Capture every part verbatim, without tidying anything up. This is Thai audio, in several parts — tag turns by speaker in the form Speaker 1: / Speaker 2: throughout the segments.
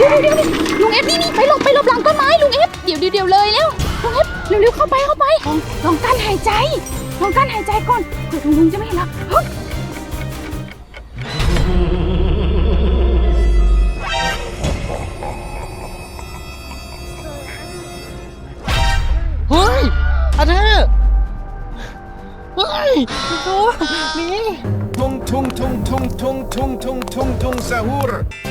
Speaker 1: ยวเดี๋ยวเดี๋ยวลุงเอฟนี่นี่ไปหลบไปหลบหลังต้นไม้ลุงเอฟเดี๋ยวเดี๋ยวเดี๋ยวเลยแล้วลุงเอฟเร็วๆเข้าไปเข้าไปลองลองกั้นหายใจลองกั้นหายใจก่อนเผื่อลุงจะไม่เห็นเราเฮ้ย
Speaker 2: เฮ้ยอาเธอเฮ้ยโอ้นี่
Speaker 3: Tung tung tung tung tung tung tung tung tung sahur.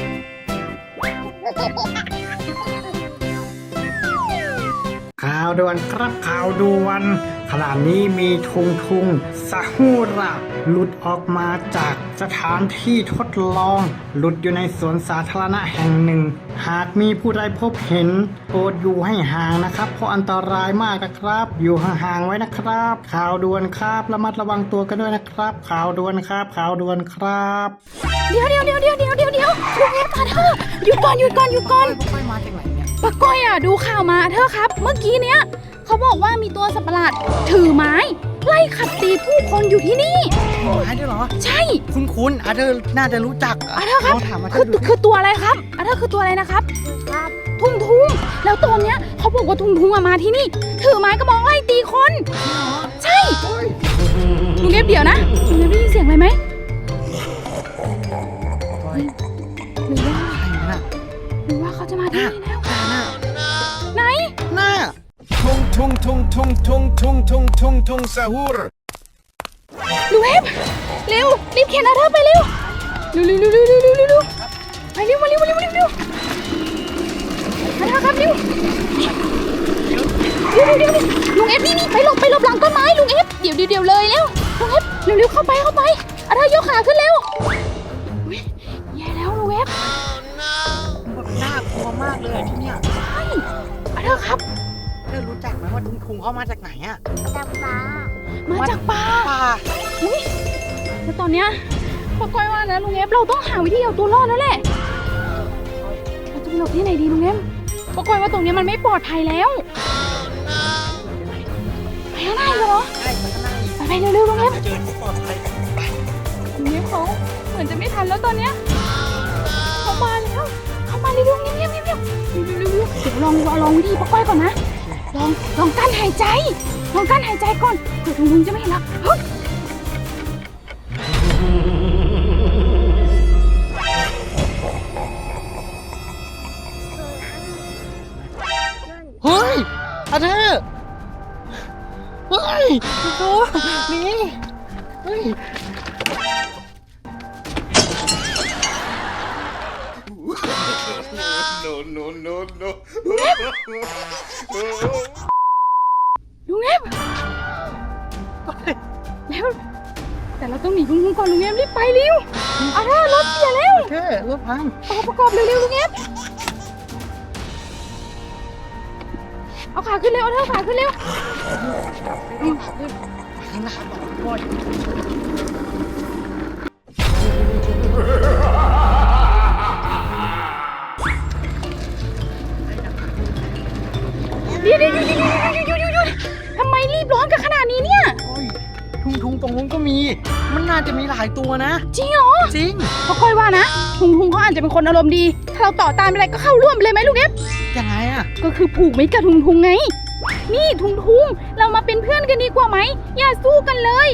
Speaker 4: ข่าวด่วนครับข่าวด่วนขณะนี้มีทุงทุงซาฮูระหลุดออกมาจากสถานที่ทดลองหลุดอยู่ในสวนสาธารณะแห่งหนึ่งหากมีผู้ใดพบเห็นโปรดอยู่ให้ห่างนะครับเพราะอันตรายมากนะครับอยู่ห่างๆไว้นะครับข่าวด่วนครับระมัดระวังตัวกันด้วยนะครับข่าวด่วนครับข่าวด่วนครับ
Speaker 1: เดี๋ยวเดี๋ยวเดี๋ยวเดี๋ยวเดี๋ยวเดี๋ยวเดี๋ยวลุงเอฟมาเธอหยุดก่อนหยุดก่อนหยุดก่อน
Speaker 2: ไปมาจากไหนเนี่ย
Speaker 1: ป้าก้อยอ่ะดูข่าวมาเธอครับเมื่อกี้เนี้ยเขาบอกว่ามีตัวสัตว์ประหลาดถือไม้ไล่ขัดตีผู้คนอยู่ที่นี่
Speaker 2: หายด้วยเหรอ
Speaker 1: ใช่
Speaker 2: คุณคุณอาเธอน่าจะรู้จัก
Speaker 1: อาเธอครับ
Speaker 2: ลองถามอาเธ
Speaker 1: คือ อ
Speaker 2: ดู
Speaker 1: คือตัวอะไรครับอาเธอคือตัวอะไรนะครับครับทุ่งทุ่งแล้วตอนเนี้ยเขาบอกว่าทุ่งทุ่งอะมาที่นี่ ถือไม้กระบองไล่ตีคนใช่ลุงเอฟเดี๋ยวนะลุงเอฟได้ยินเสียงอะไรไหมหรือว่า
Speaker 2: ใครน่ะ
Speaker 1: หรือว่าเขาจะมาที่นี่แล้ว
Speaker 2: น่ะ
Speaker 1: ไหน
Speaker 2: น่ะ
Speaker 3: Tung tung tung tung tung tung tung tung tung sahur.
Speaker 1: ลุงเอฟเร็วรีบเข็นอาเธอไปเร็วเร็วเร็วเร็วเร็วเร็วเร็วเร็วไปเร็วมาเร็วมาเร็วมาเร็วเร็วอาเธอครับเร็วเร็วเร็วเร็วลุงเอฟนี่นี่ไปหลบไปหลบหลังต้นไม้ลุงเอฟเดี๋ยวเดี๋ยวเดี๋ยวเลยเร็วลุงเอฟเร็วเร็วเข้าไปเข้าไปอาเธอยกขาขึ้นเร็วอุ๊ยแย่แล้วลุงเอฟ
Speaker 2: แบบน่ากลัวมากเลยอะที่เนี่ย
Speaker 1: ใช่อาเธอครับ
Speaker 2: เธอรู้จักไหมว่าคุณคุงเขามาจากไหนอะ
Speaker 1: จากป่ามาจากป่า
Speaker 2: ป่า
Speaker 1: อุ้ยแล้วตอนเนี้ยป้าก้อยว่านะลุงเอฟเราต้องหาวิธีเอาตัวรอดแล้วแหละเราจะไปหลบที่ไหนดีลุงเอฟป้าก้อยว่าตรงเนี้ยมันไม่ปลอดภัยแล้วไปข้างหน้าอีกเหรอ
Speaker 2: ใช่มันก็น่า
Speaker 1: ไปไปเร็วๆลุงเอฟ
Speaker 2: จะเจอที่ปลอดภัยไป
Speaker 1: ลุงเอฟเขาเหมือนจะไม่ทันแล้วตอนเนี้ยเขามาแล้วเขามาเร็วๆเงียบๆเงียบๆเร็วๆเร็วๆเดี๋ยวลองลองวิธีป้าก้อยก่อนนะลองลองกั้นหายใจลองกั้นหายใจก่อนเผื่อลุงจะไม่เห็นเราเฮ้ย
Speaker 2: เฮ้ยอาเธอเฮ้ยโอ้นี่เฮ้ย
Speaker 3: No no no no.
Speaker 1: ลุงเอฟแล้วแต่เราต้องหนีลุงก่อนลุงเอฟรีบไปเร็วอาเธอรถเสียแล้ว
Speaker 2: เธอรถพัง
Speaker 1: เอาประกอบเร็วๆลุงเอฟเอาขาขึ้นเร็วเอาเธอขาขึ้นเร็ว
Speaker 2: ข้างหน้าบอกก่อน
Speaker 1: เดี๋ยวเดี๋ยวเดี๋ยวเดี๋ยวเดี๋ยวเดี๋ยวเดี๋ยวทำไมรีบร้อนกันขนาดนี้เนี่ย
Speaker 2: โอ้ยทุงทุงตรงนู้นก็มี มันน่าจะมีหลายตัวนะ
Speaker 1: จริงเหรอ
Speaker 2: จริง
Speaker 1: เพราะค่อยว่านะทุงทุงเขาอาจจะเป็นคนอารมณ์ดีถ้าเราต่อตามไปอะไรก็เข้าร่วมไปเลยไหมลุงเอฟ
Speaker 2: ยังไงอะ
Speaker 1: ก็คือผูกมิตรกับทุงทุงไงนี่ทุงทุงเรามาเป็นเพื่อนกันดีกว่าไหมอย่าสู้กันเลย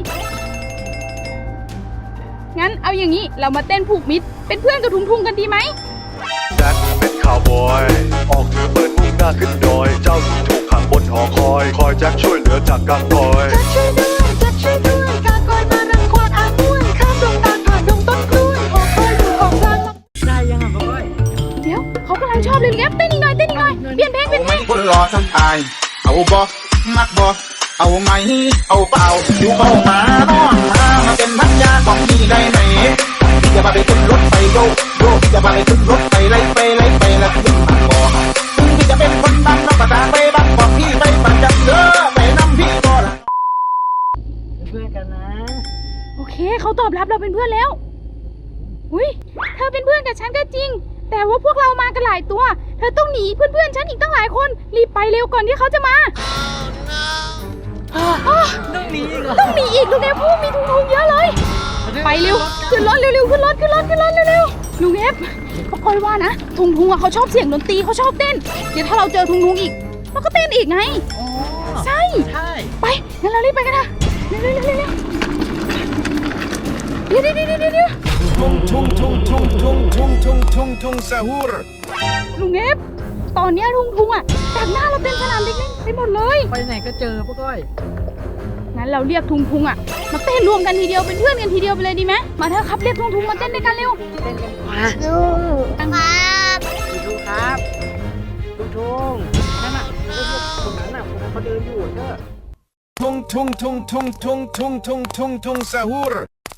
Speaker 1: งั้นเอาอย่างนี้เรามาเต้นผูกมิตรเป็นเพื่อนกับทุงทุงกันดีไหม
Speaker 5: แจ็คเป็นข่าวบอย ออกเรือเปิดมุ่งหน้าขึ้นดอย เจ้าหญิงถูกขังบนหอคอย คอยแจ็คช่วยเหลือจากกางกอย
Speaker 6: ช่วยด้วยจัดช่วยด้วยกากอยมารังควานอาบ้วยข้ามดงตาลผ่านดงต้นกล้วยหอคอยอยู่ของกลาง
Speaker 2: ได้ยังอ่ะบอย
Speaker 1: เดี๋ยวเขากำลังชอบเลยลุงเอฟเต้นอีกหน่อยเต้นอีกหน่อยเปลี่ยนเพลงเปลี่ยนเพลง
Speaker 7: คนรอทั้งอายเอาบ่มักบ่เอาไหมเอาเปล่าอยู่เข้ามาน้องมามาเป็นพันยาของพี่ได้ไหมพี่จะพาไปขึ้นรถไปโยกโยกพี่จะพาไปขึ้นรถไปไล่ไปไล่ไปแล้วขึ้นบางบ่อพี่จะเป็นคนบ้านนอกภาษาไปบ้านบอกพี่ไปปั่นจักรเด้อไปน้ำพี่บ่ล่ะ
Speaker 2: เพื่อนกันนะ
Speaker 1: โอเคเขาตอบรับเราเป็นเพื่อนแล้วอุ้ยเธอเป็นเพื่อนกับฉันก็จริง แต่ว่าพวกเรามากันหลายตัว เธอต้องหนีเพื่อนๆฉันอีกตั้งหลายคนรีบไปเร็วก่อนที่เขาจะมาอ้อ
Speaker 2: ต้องหนีอีกเหรอ
Speaker 1: ต้องหนีอีกลุงเอฟพวกมีทุงๆเยอะเลย ไปเร็วขึ้นรถเร็วๆขึ้นรถขึ้นรถขึ้นรถเร็วๆลุงเอฟฟป้าก้อยว่านะทุงทุงอ่ะเขาชอบเสียงดนตรีเขาชอบเต้นเดี๋ยวถ้าเราเจอทุงทุงอีกเราก็เต้นอีกไง
Speaker 2: อ๋อ
Speaker 1: ใช่
Speaker 2: ใช่
Speaker 1: ไปงั้นเรารีบไปกันนะเร็วเร็วเร็วเร็วเดี๋ยวเดี๋ยวเดี๋ยวเดี๋ยวเดี๋ยว
Speaker 3: Tung tung tung tung tung tung tung tung tung sahur.
Speaker 1: ลุงเอฟตอนเนี้ยทุงทุงอ่ะจากหน้าเราเต็มสนามเด็กเล่นไปหมดเลย
Speaker 2: ไปไหนก็เจอป้าก้อย
Speaker 1: งั้นเราเรียกทุงทุงอ่ะมาเต้นรวมกันทีเดียวเป็นเพื่อนกันทีเดียวไปเลยดีไหมมาเถอะครับเรียกทุงทุงมาเต้นด้วยกันเร็ว
Speaker 2: เต้นกันมา
Speaker 6: ดูครับ
Speaker 2: ดูดูครับดูทงนั่นน่ะเลือกคนนั้นน่ะคนนั้นเขาเดินอยู่เด้อ
Speaker 3: Tung tung tung tung tung tung tung tung tung sahur.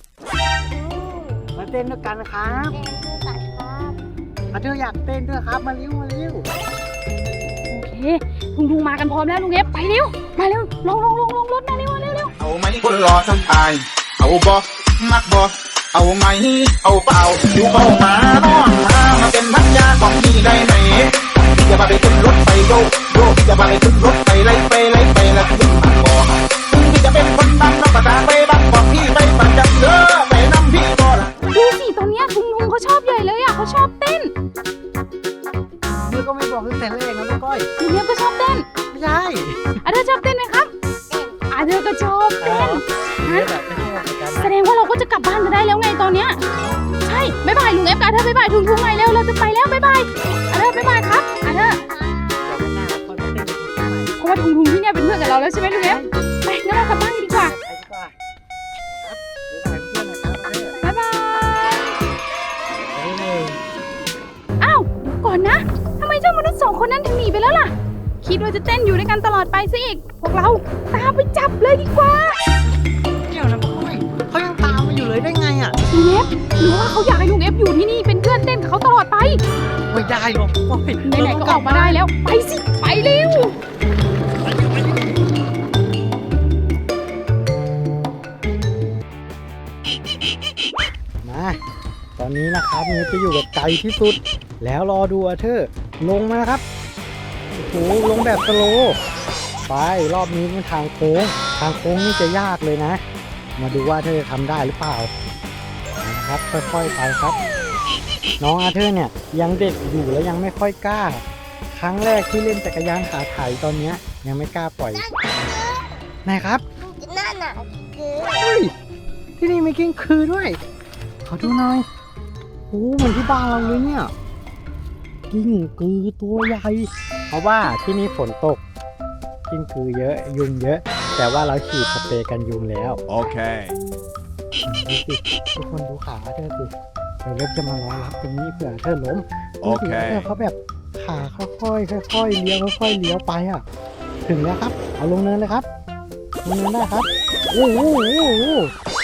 Speaker 2: มาเต้นด้วยกันครับ
Speaker 6: เต้นด้วยกันครับ
Speaker 2: อาเธออยากเต้นด้วยครับมาเร็วมาเร็ว
Speaker 1: โอเคทุงทุงมากันพร้อมแล้วลุงเอฟไปเร็วมาเร็วลงลงลงลงรถมาเร็วมาเร็วเร็ว
Speaker 7: เอาไหมคนรอทั้งตาย เอาบ่มักบ่เอาไหมเอาเปล่าอยู่เข้ามาน้องมามาเป็นพันยาของพี่ได้ไหมอย่ามาไปขึ้นรถไปโยกโยกอย่ามาไปขึ้นรถไปไล่ไปไล่ไปแล้วขึ้นมาบ่พี่จะเป็นคนดังน้องก็ตามไปบังบอกพี่ไปปั่นจักรเด้อไปนำพี่บ่ล่ะ
Speaker 1: ดูสิตอนเนี้ยทุงทุงเขาชอบใหญ่เลยอ่ะเขาชอบเต้น
Speaker 2: เธอก็ไม่บอกตั้งแต่แรกนะป้าก้อย
Speaker 1: ลุงเอฟก็ชอบเต้น
Speaker 2: ไม่ใช่
Speaker 1: อาเธอชอบเต้นไหมครับอาเธอก็ชอบเต้น
Speaker 2: เดี๋ยวแบบไม่ชอบเหมือนกัน
Speaker 1: แส
Speaker 2: นะ
Speaker 1: ดงว่าเราก็จะกลับบ้านกันได้แล้วไงตอนเนี้ยใช่บ๊ายบายลุงเอฟกับอาเธอบ๊ายบายทุงทุงไงเร็วเราจะไปแล้วบ๊ายบายอาเธอบ๊ายบายครับอาเธอ
Speaker 2: เดี๋ยววันหน้าค่อยมาเต้นกันอีกทีใหม่
Speaker 1: เพราะว่าทุงทุงที่เนี่ยเป็นเพื่อนกับเราแล้วใช่ไหมลุงเอฟไปงั้นเรากลับบ้านกันดีกว่า
Speaker 2: ไปดีกว่าครับบ๊ายบายเพื่อนนะครับอาเธอ
Speaker 1: บ๊ายบาย
Speaker 2: เฮ้ย
Speaker 1: อ้าวเดี๋ยวก่อนนะทำไมเจ้ามนุษย์สองคนนั้นถึงหนีไปแล้วล่ะคิดว่าจะเต้นอยู่ด้วยกันตลอดไปซะอีกพวกเราตามไปจับเลยดีกว่า
Speaker 2: เดี๋ยวนะป้าก้อยเขายังตามมาอยู่เลยได้ไงอ่ะ
Speaker 1: ลุงเอฟหรือว่าเขาอยากให้ลุงเอฟอยู่ที่นี่เป็นเพื่อนเต้นกับเขาตลอดไป
Speaker 2: ไม่ได้หรอกป้าก้อย
Speaker 1: ไหนๆก็ออกมาได้แล้วไปสิไปเร็ว
Speaker 4: มาตอนนี้นะครับเนฟจะอยู่แบบไกลที่สุด แล้วรอดูอาเธอร์ลงมาครับโอ้โหลงแบบสโลว์ไปรอบนี้เป็นทางโค้งทางโค้งนี่จะยากเลยนะ มาดูว่าเธอจะทำได้หรือเปล่านะครับค่อยๆไปครับ น้องอาเธอร์เนี่ยยังเด็กอยู่แล้วยังไม่ค่อยกล้า ครั้งแรกที่เล่นจักรยานขาไถตอนเนี้ยยังไม่กล้าปล่อยไหนครับ
Speaker 6: นั่นน่ะคือ
Speaker 4: เฮ้ยที่นี่มีกิ้งคือด้วย ขอดูหน่อยโอ้เหมือนที่บ้านเราเลยเนี่ย กิ้งกือตัวใหญ่ เพราะว่าที่นี่ฝนตก กิ้งกือเยอะ ยุงเยอะ แต่ว่าเราฉีดสเปรย์กันยุงแล้ว
Speaker 3: Okay.
Speaker 4: ดูสิทุกคนดูขาเธอสิเดี๋ยวเล็บจะมารอรับตรงนี้เผื่อเธอล้ม
Speaker 3: โอเค
Speaker 4: ดูสิเธอเขาแบบขาค่อยๆค่อยๆเลี้ยวค่อยๆเลี้ยวไปอ่ะ ถึงแล้วครับ เอาลงเนินเลยครับ ลงเนินได้ครับ โอ้โหโอ้โห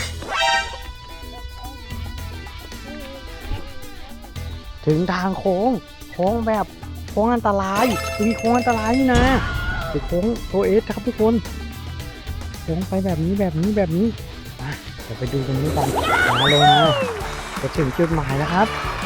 Speaker 4: ถึงทางโค้ง โค้งแบบโค้งอันตรายมีโค้งอันตรายนี่นะเป็นโค้งโทเอสครับทุกคน โค้งไปแบบนี้แบบนี้แบบนี้มาเดี๋ยวไปดูตรงนี้กันมาลงมาจะถึงจุดหมายแล้วครับ